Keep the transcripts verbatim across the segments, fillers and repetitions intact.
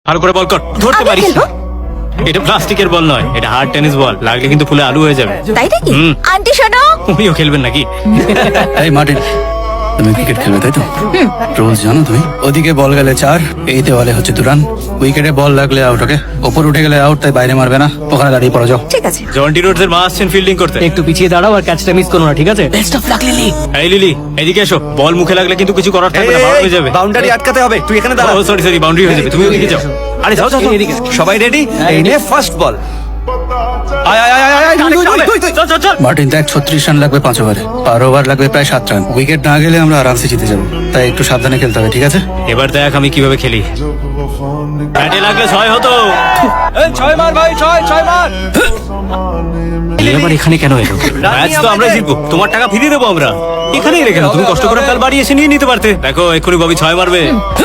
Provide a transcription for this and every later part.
ভালো করে বল কর, ধরতে আমি পারিস খেলবো? না। এটা প্লাস্টিকের বল নয়, এটা হার্ড টেনিস বল, লাগলে কিন্তু ফুলে আলু হয়ে যাবে। তাই নাকি? হুম। আন্টি শোনো। উনিও খেলবেন নাকি? এই মার্টিন, তুমি ক্রিকেট খেলবে তাই তো? রোজ জানো তুমি? ওদিকে বল গেলে চার, এই দেওয়ালে হচ্ছে দু রান। উইকেটে বল লাগলে আউট, ওকে? ওপর উঠে গেলে আউট, তাই বাইরে মারবে না, ওখানে দাঁড়িয়ে পড়ো যাও। ঠিক আছে। জন্টি রোডস এর মা আসছেন ফিল্ডিং করতে। একটু পিছিয়ে দাঁড়াও আর ক্যাচটা মিস করো না, ঠিক আছে? Best of luck Lily. এই লিলি, এদিকে এসো। বল মুখে লাগলে কিন্তু কিছু করার থাকবে না, বাউন্ড হয়ে যাবে। বাউন্ডারি আটকাতে হবে, তুই এখানে দাঁড়া। ও সরি সরি, বাউন্ডারি হয়ে যাবে, তুমি ওদিকে যাও। আরে যাও যাও যাও। এদিকে। সবাই রেডি? এই নে ফার্স্ট বল। আয় আয় আয় আয় আয়, তুই, তুই, তুই, তুই। চল চল চল। মার্টিন দেখ, ছত্রিশ রান লাগবে পাঁচ ওভারে, আর ওভার লাগবে প্রায় সাত রান। উইকেট না গেলে আমরা আরামসে জিতে যাবো, তাই একটু সাবধানে খেলতে হবে, ঠিক আছে? এবার দেখ আমি কিভাবে খেলি। ব্যাটে লাগলে ছয় হতো। এই ছয় মার ভাই, ছয় ছয় মার। এই আবার এখানে কেন এলো? ম্যাচ তো আমরা জিতবো, তোমার টাকা ফিরিয়ে দেবো আমরা। এখানেই রেখে দাও, তুমি কষ্ট করে কাল বাড়ি এসে নিয়ে নিতে পারতে। দেখো এক্ষুনি ববি ছয় মারবে।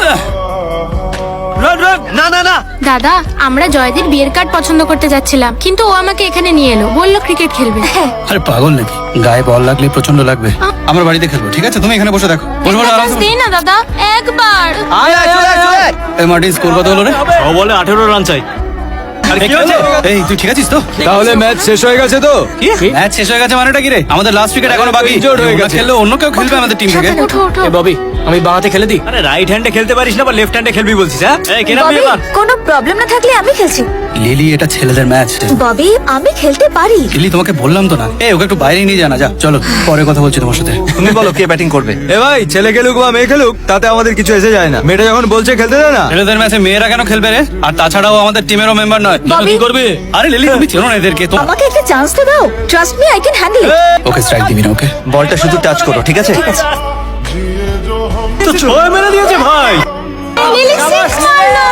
Run run. না না না, দাদা, আমরা জয়দীর বিয়ের কার্ড পছন্দ করতে যাচ্ছিলাম, কিন্তু ও আমাকে এখানে নিয়ে এলো, বললো ক্রিকেট খেলবে। আরে পাগল নাকি? গায়ে বল লাগলে প্রচন্ড লাগবে। আমরা বাড়িতে খেলবো, ঠিক আছে? তুমি এখানে বসে দেখো, বসে বসে আরামসে। দে না দাদা, একবার। আয় আয় চলে আয়, চলে আয়। এই মার্টিন, স্কোর কত হলো রে? ও বলে আঠেরো রান চাই। আরে কি হয়েছে? এই তুই ঠিক আছিস তো? তাহলে ম্যাচ শেষ হয়ে গেছে তো? ম্যাচ শেষ হয়ে গেছে মানেটা কি রে? আমাদের লাস্ট উইকেট এখনো বাকি। Injured হয়ে ওরা গেছে। খেললে অন্য কেউ খেলবে আমাদের টিম থেকে। ওঠো ওঠো। এ ববি, আমি বাঁহাতে খেলে দিই। আরে রাইট হ্যান্ডে খেলতে পারিস না, বা লেফট হ্যান্ডে খেলবি বলছিস? হ্যাঁ এই কেন ববি, এবার? কোনো প্রবলেম না থাকলে আমি খেলছি। লিলি, এটা ছেলেদের ম্যাচ। ববি, আমি খেলতে পারি। লিলি, তোমাকে বললাম তো না। এই ওকে একটু বাইরে নিয়ে জানা যা। চলো পরে কথা বলছি তোমার সাথে। তুমি বলো কে ব্যাটিং করবে? এ ভাই, ছেলে খেলুক বা মেয়ে খেলুক তাতে আমাদের কিছু এসে যায় না। মেয়েটা যখন বলছে খেলতে দে না। ছেলেদের ম্যাচে মেয়েরা কেন খেলবে রে? আর তাছাড়াও আমাদের টিমেরও মেম্বার নয়। ববি, কি করবে? আরে লিলি, তুমি চেনো না এদেরকে তো। আমাকে একটা চান্স তো দাও। Trust me, I can handle it. Okay strike দিবি না, ওকে? বলটা শুধু টাচ করো, ঠিক আছে? ঠিক আছে। তো ছয় মেরে দিয়েছে ভাই। লিলি সিক্স মারলো।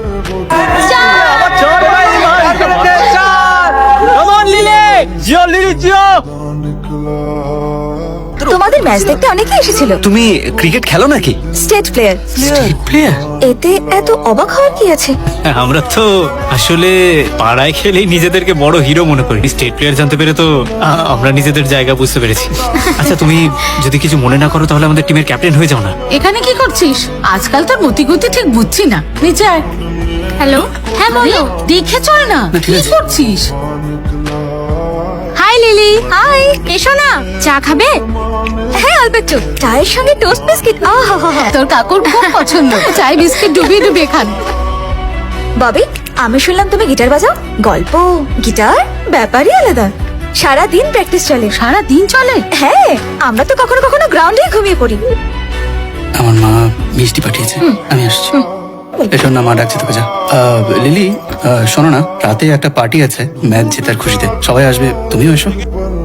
চার। জিও লিলি জিও। তোমাদের ম্যাচ দেখতে অনেকে এসেছিল। তুমি ক্রিকেট খেলো নাকি? State player. প্লেয়ার? এতে এত অবাক হওয়ার কি আছে? আমরা তো আসলে পাড়ায় খেলেই নিজেদেরকে বড় হিরো মনে করি। স্টেট প্লেয়ার জানতে পেরে তো আ- আমরা নিজেদের জায়গা বুঝতে পেরেছি। আচ্ছা তুমি যদি কিছু মনে না করো তাহলে আমাদের টিমের ক্যাপ্টেন হয়ে যাও না। এখানে কি করছিস? আজকাল তোর মতিগতি ঠিক বুঝছি না। নিচে আয়। হ্যালো, হ্যাঁ বলো। দেখে চল না, ঠিক কি আছে। করছিস? High lily. হাই, এসো না, চা খাবে? হ্যাঁ, অল্প একটু। চায়ের সঙ্গে টোস্ট বিস্কিট। আহা হা হা। তোর কাকুর খুব পছন্দ। চাই বিস্কিট ডুবিয়ে ডুবিয়ে খান। ববি, আমি শুনলাম তুমি গিটার বাজাও। গল্প, গিটার ব্যাপারই আলাদা। সারা দিন প্র্যাকটিস চলে। সারা দিন চলে? হ্যাঁ, আমরা তো কখনো কখনো গ্রাউন্ডেই ঘুমিয়ে পড়ি। আমার মা মিষ্টি পাঠিয়েছে, আমি আসছি। এসো না, মা ডাকছে তোকে, যা। আহ, লিলি, আহ, শোনো না, রাতে একটা পার্টি আছে ম্যাচ জেতার খুশিতে, সবাই আসবে, তুমিও এসো।